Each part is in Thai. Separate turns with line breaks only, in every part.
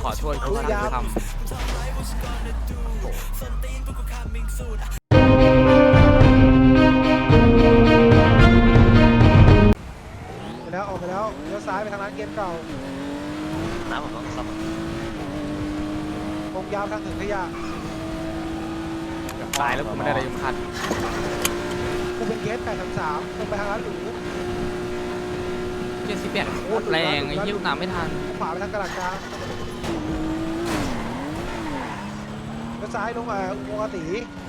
ขอช่วยกูทำ
ไปแล้วออกไปแล้วเลี้ยวซ้ายไปทางร้านเกมเก่า
น้ำผมต้องซ่อม
ตรงยาวทางถึงขยะ
ตายแล้วกูไม่ได้อะไรยมคัน
กูเป็นเกส833ตรงไปทางร้านหรู
78โคตรแรงไอ้เหี้ยตามไม่ทัน
ขวาไปทางกระดาษกลางเลี้ยวซ้ายลงอุโมงค์อาตี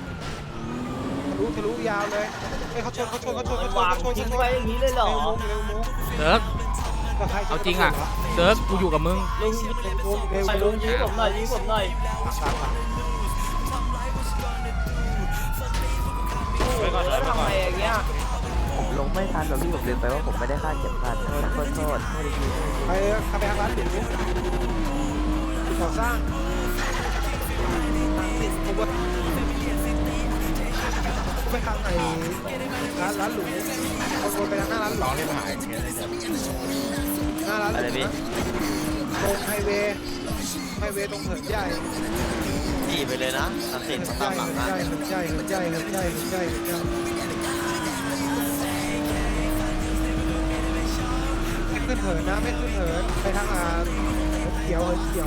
ทะลุยาวเลยเฮ้ยเขาชน
ทิ้งไว้อย่างนี้เลยเหรอ
เร็วมุ้ง
เซิร์ฟเอาจริงอ่ะเซิร์ฟกูอยู่กับมึง
ลุงไปลุงยื้อผมหน่อยยื้อผมหน่อยทำไมอย่างเงี้ย
ผมลงไม่ทันแบบที่ผมลืมไปว่าผมไม่ได้คาดเข็มขัดโทษไม่ได้ยิน
ไปทางร้านหรูก่อสร้างไปทางไหนร้านหรูเอาวนไปทางหน้าร้านหรูเลยมาหาหน้าร้านหรูนะตรงไฮเวย์ตรงเหินใหญ่
ขี่ไปเลยนะตามติดตามหลังนะ
ใหญ่ไม่ขึ้นเหินนะไม่ขึ้นเหินไปทางเขียว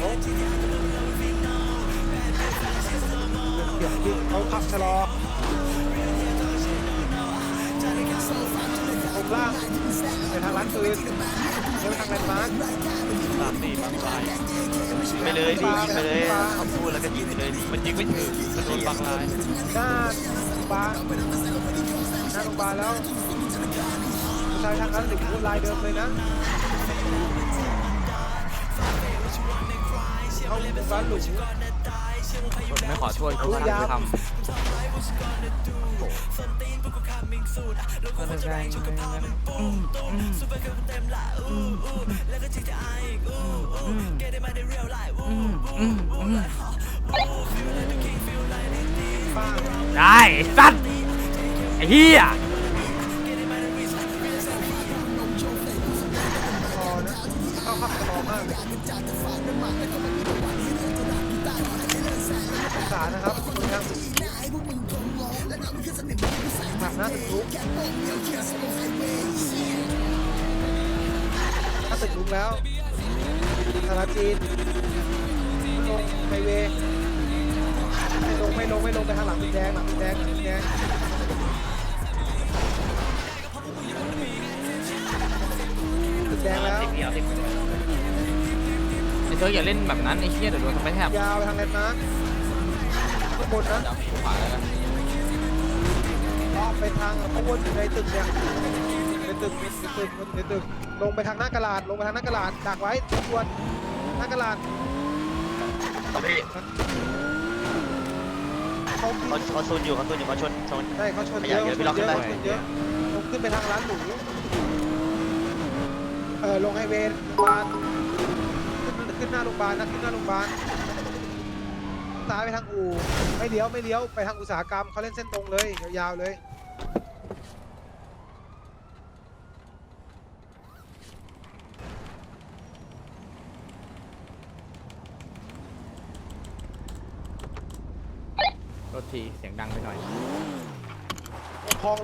ที่เขาขับชะลอตรงล่างไปทางร้านปืนแล้วไปทางแลนด์มาร์ค
ตามตีบางลายไปเลยดิยิงไปเลยเขาพูดแล้วก็ยิงไปเลยดิมันยิงไม่ถึงมันโดนบางลาย
หน้าโรงพยาบาลแล้วใช้ทางนั้นหรือลายเดิมเลยนะเอาร้านหลุม
ไม่ขอช่วยกูทำได้สัตว์ไอ้เหี้ย
เข้าขับตลอดมากสารนะครับคุณยังหักหน้าตึกลุกถ้าตึกลุกแล้วสารจีนลงไฮเวย์ไม่ลงไปทางหลังตึกแดงตึกแดงแล้ว
ไอ้เซิร์ฟอย่าเล่นแบบนั้นไอ้เหี้ยเดี๋ยวโดนทำไปแทบ
ยาวไปทางแลนด์มาร์คข้างบนนะ
ขวาแล้วกัน
อ้อมไปทางข้างบนในตึกเนี่ยในตึกลงไปทางหน้ากระดาษดักไว้ทวนหน้ากระดาษ
เขาชนอยู่เขาชน
ใช่เขาชนเยอะลงขึ้นไปทางร้านหรูลงไฮเวย์โรงพยาบาลขึ้นหน้าโรงพยาบาลซ้ายไปทางอู่ไม่เลี้ยวไปทางอุตสาหกรรมเขาเล่นเส้นตรงเลยยาวๆเลย
รถทีเสียงดังไปหน่อย
ลงคลอง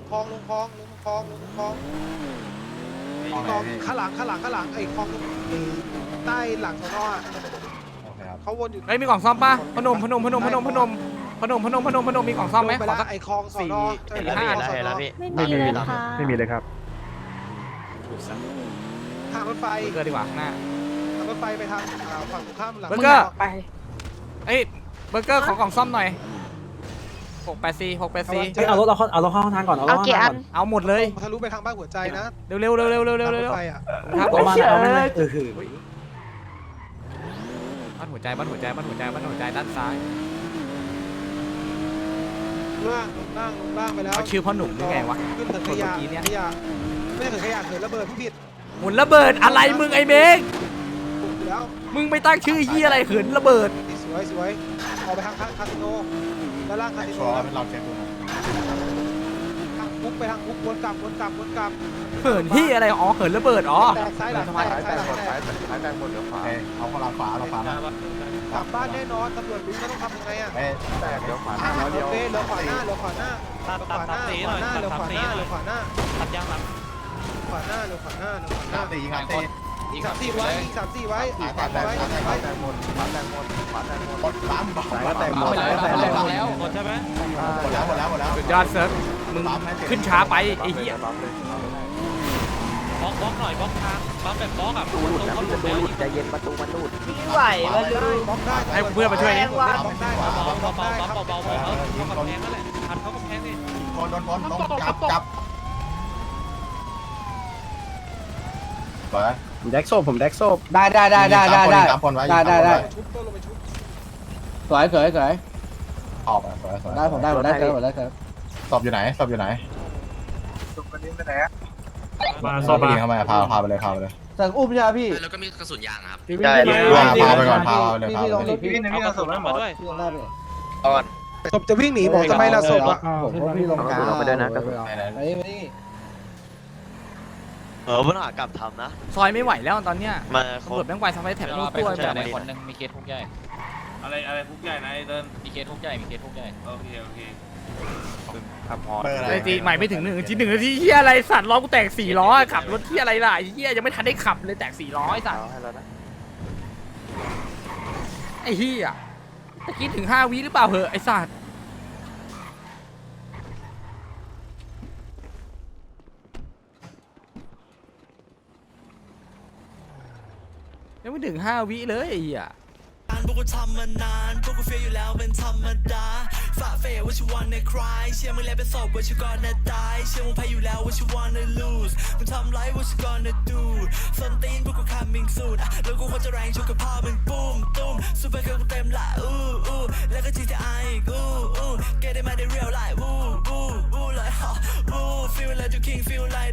ข้างหลังไอ้คลองใต้หลังสน.เขาวนอยู่
เฮ้ยมีกล่องซ่อมป่ะพนมมีกล่องซ่อมไหมขอสัก
ไอ้คลองสน.
ไม่มีเลยครับ
ทางรถไฟ
เบอร์เกอร์ดีกว่าข้างหน้า
ทางรถไฟไปทางฝั่งตรงข้ามหลัง
เบอร์เกอร์ไปเอ้ยเบอร์เกอร์ขอกล่องซ่อมหน่อย684
เอารถเข้าห้องทางก่อนเอากี่อัน
เอาหมดเลย
ทะลุไปทางบ้านหัวใจนะ
เร็ว
ครับผมมาแล้ว
บ้านหัวใจด้านซ้าย
ล่างไปแล้ว
เอาชื่อพ่อหนุ่มได้ไงวะ
ขึ้นถึงขยะไม่ใช่ถึงขยะเหินระเบิดผู้ผิด
หมุนระเบิดอะไรมึงไอ้เมง
แล้ว
มึงไม่ตั้งชื่อยี่อะไรเหินระเบิด
สวยออกไปทางคาสิโนด้านล่างคาสิโน
เราเช็คดู
คุกไปทางคุกวนกลับ
เหินที่อะไรอ๋อเหินระเบิดอ๋อ
แตกซ้ายหลังแตกซ้ายหลังแตก
แตงหมดเดี๋ยวขวา
เอาข้างหลังขวาเราขวานะ
กลับบ้านแน่นอนตำรวจรู้แล้วต้องทำยังไงอ่ะ
แตกเดี๋ยวขวา
โอเคเหลือขวาหน้าเหลือขวาหน้า
ตัดสีหน่อย
เหลือขวาหน้าเหลือขวาหน้า
ตัดยางหลัง
ขวาหน้าเหลือขวาหน้าเหลือขวาหน้า
ตีงานตี
อีก3-4ไว้อีก3-4ไว้อีก3-4ไว้
แตงหมดขวาแตงหมดขวาแตงหมด
หมดปั๊มบอก
แตงหมด
หมดใช่ไหม
หมดแล้ว
สุดยอดเซิร์ฟมึงขึ้นช้าไปไอ้เหี้ย
บล็อกหน่อยบล็อกทางบล็อกแบบบล็อกอ่ะ
ตูหลุดนะพี่ประตูหลุดใจเย็นประตูมันหลุด
ไม่ไหวมาดู
บล็อกได้
ให้เพื่อนมาช่วยนี่
บล็อกได้
เบา
บล็อก
เบา
ได้ครับ
เบาเขากำแพงนั่นแหละทันเขากำแพงนี่
คนโดนคนลงจับเปิด
ผมแดกโซบผมแดกโซบได้
3 คนไว้
ชุบตัวลงไปชุบ
สวย
ออกไปสวย
ได้ผมได้ครับ
สอบอยู่ไหนสอบอยู่ไหน
มา
สอบไปเข้ามาพาไปเลย
สั่งอุ้มใช่ไหมพี่
แล้วก็มีกระสุนยางครับ
ได้
พาไปก่อนพาเลย
พี่ลงดิพี่
เอากระสุนมาด้วย
ลงได้พี่
ศพจะวิ่งหนีบอกทำไมล่ะศพอ่ะ
ผมว่าพี่ลงกลาง
เอาไปด้วยนะกระสุน
ไปนี่
ปัญหากลับทำนะ
ซอยไม่ไหวแล้วตอนเนี้ย
มา
ตำรวจแม่งไวทำให้แถบลูกตัวแบบ
คนนึงมีเคสทุกใหญ่
อะไรคุกใหญ่นะไอ้เดิน
มีเคสทุกใหญ่มีเคสทุกใหญ่
โอเค
เบอร์อะไร
ไอ้จีใหม่ไม่ถึง1 นาทีเหี้ยอะไรสัตว์ล้อกูแตก4 ล้อขับรถเหี้ยอะไรล่ะไอ้เหี้ยยังไม่ทันได้ขับเลยแตก4 ล้อไอ้สัตว์
เอาให้แล้วนะ
ไอ้เหี้ยตะกี้ถึง5 วิหรือเปล่าเหอะไอ้สัตว์ยังไม่ถึง5 วิเลยไอ้เหี้ย
พวกกูทำมานานพวกกูเฟียอยู่แล้วเป็นธรรมดาฝ่าเฟยว่าชิวันในคลายเชื่อมึงแล้วเป็นศพว่าชิวก่อนนะตายเชื่อมึงแพ้อยู่แล้วว่าชิวันใน lose มึงทำไรว่าชิก่อนนะ do ส้นตีนพวกกู coming soon แล้วกูควรจะแรงชุกกับพ่อมึงปุ้มตุ้มซูเปอร์เกิร์ลกูเต็มละแล้วก็ GTI อีกget it มาได้ real life เลย feel like the king feel like